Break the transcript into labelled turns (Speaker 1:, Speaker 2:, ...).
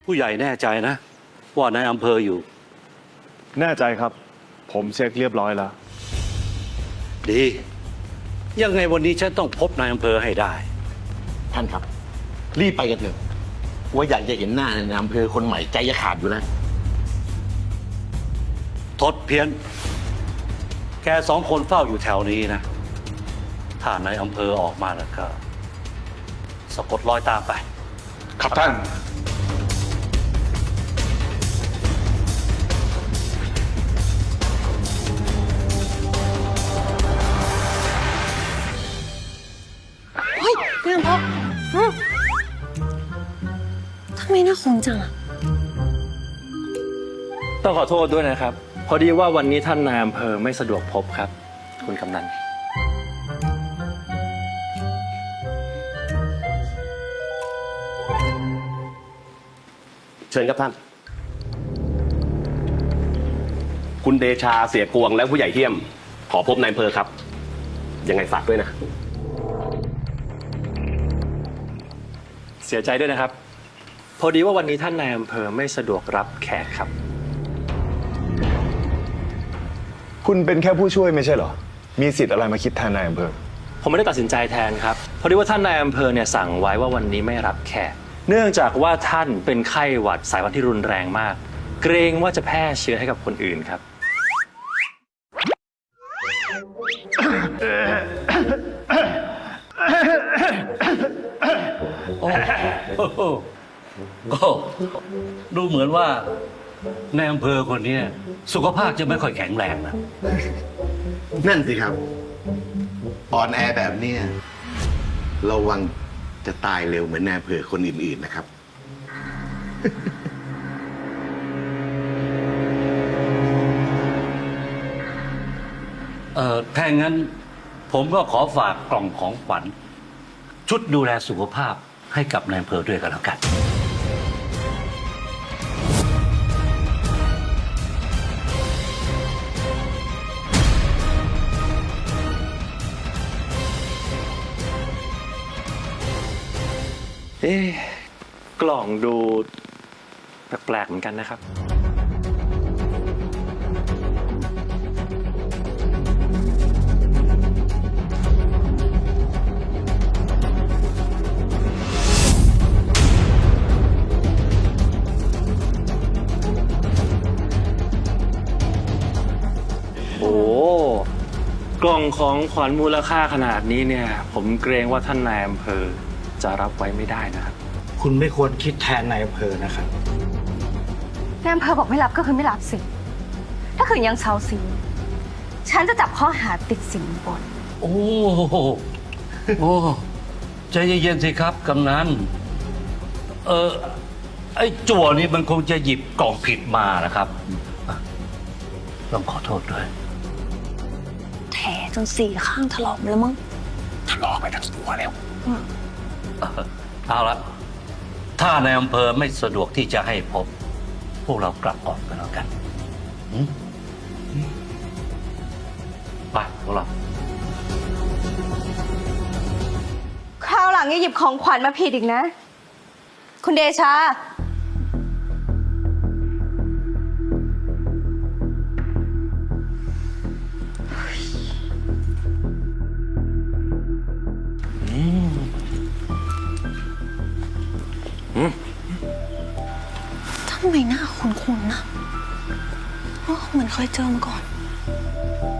Speaker 1: ผู้ใหญ่แน่ใจนะว่านายอำเภออยู่
Speaker 2: แน่ใจครับผมเช็คเรียบร้อยแล้ว
Speaker 1: ดียังไงวันนี้ฉันต้องพบนายอำเภอให้ได้
Speaker 3: ท่านครับรีบไปกันเถอะว่าอยากจะเห็นหน้านายอำเภอคนใหม่ใจจะขาดอยู่แล้ว
Speaker 1: ทดเพี้ยนแกสองคนเฝ้าอยู่แถวนี้นะถ้านายอำเภอออกมาแล้วก็สะกดรอยตามไป
Speaker 2: ครับท่าน
Speaker 4: เฮ้ยนายอำเภอทำไมหน้าคงจังอะ
Speaker 5: ต้องขอโทษด้วยนะครับพอดีว่าวันนี้ท่านนายอำเภอไม่สะดวกพบครับคุณกำนัน
Speaker 6: เชิญครับท่านคุณเดชาเสียกวงและผู้ใหญ่เทียมขอพบนายอำเภอครับยังไงฝากด้วยนะ
Speaker 5: เสียใจด้วยนะครับพอดีว่าวันนี้ท่านนายอำเภอไม่สะดวกรับแขกครับ
Speaker 2: คุณเป็นแค่ผู้ช่วยไม่ใช่เหรอมีสิทธิ์อะไรมาคิดแทนนายอำเภอ
Speaker 5: ผมไม่ได้ตัดสินใจแทนครับพอดีว่าท่านนายอำเภอเนี่ยสั่งไว้ว่าวันนี้ไม่รับแขกเนื่องจากว่าท่านเป็นไข้หวัดสายพันธุ์ที่รุนแรงมากเกรงว่าจะแพร่เชื้อให้กับคนอื่นครับ
Speaker 1: โอ้ก็ดูเหมือนว่าในอำเภอคนนี้สุขภาพจะไม่ค่อยแข็งแรงนะ
Speaker 3: นั่นสิครับอ่อนแอแบบเนี้ยระวังจะตายเร็วเหมือนนายอำเภอคนอื่นๆนะครับ
Speaker 1: ถ้างั้นผมก็ขอฝากกล่องของขวัญชุดดูแลสุขภาพให้กับนายอำเภอด้วยกันแล้วกัน
Speaker 5: กล่องดูแปลกๆเหมือนกันนะครับโอ้กล่องของขวัญมูลค่าขนาดนี้เนี่ยผมเกรงว่าท่านนายอำเภอจะรับไว้ไม่ได้นะครับ
Speaker 7: คุณไม่ควรคิดแทนนายอำเภอนะครับ
Speaker 4: นายอำเภอบอกไม่รับก็คือไม่รับสิถ้าขืนยังเซาซีฉันจะจับข้อหาติดสินบน
Speaker 1: โอ้ใจเย็นๆสิครับกำนันไอ้จั่วนี่มันคงจะหยิบกล่องผิดมานะครับต้องขอโทษด้วย
Speaker 4: แผลจนสี่ข้างถลอกแล้วมั้ง
Speaker 3: ทะเลาะไปทั้งตัวแล้ว
Speaker 1: เอาละถ้านายอำเภอไม่สะดวกที่จะให้พบพวกเรากลับก่อนกันแล้วกันไปพวกเรา
Speaker 4: คราวหลังอย่าหยิบของขวัญมาผิดอีกนะคุณเดชาทำไมหน้าคุ้นๆนะเหมือนเคยเจอมาก่อน